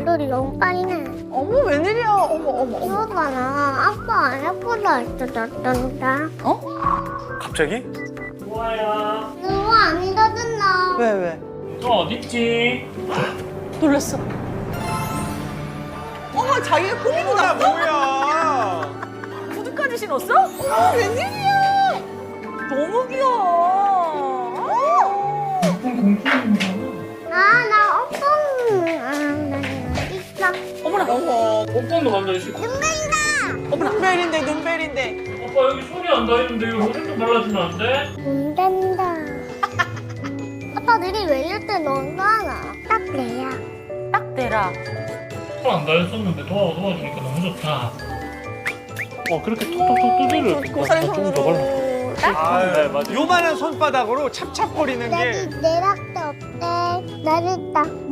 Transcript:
얼굴이 너무 빨네. 어머 웬일이야. 어머 어머 어머. 이거 봐라. 아빠 안 예쁘다 했었단다. 어? 갑자기? 좋아야. 누구 아니다던나. 왜 왜? 너 어딨지? 놀랐어. 어머 자기가 꾸미고 뭐야 났어? 뭐야? 구두까지 신었어? 어머 웬일이야. 너무 귀여워. 나 어떤 있어. 어머나. 어머. 뽀뽀도 발라주시 어머나. 눈벨인데 눈벨인데. 오빠 여기 손이 안 닿이는데 이거 손 좀 발라주면 안 돼? 안 된다. 아빠 내리 외릴 때 너도 하나. 딱 내야. 딱 대라. 손 안 닿였었는데 도와주니까 너무 좋다. 그렇게 톡톡톡 두드려. 고사리 조금 더 발라. 네, 맞아. 요만한 손바닥으로 찹찹거리는 내리 게 내릴 때 어때? 내릴 때.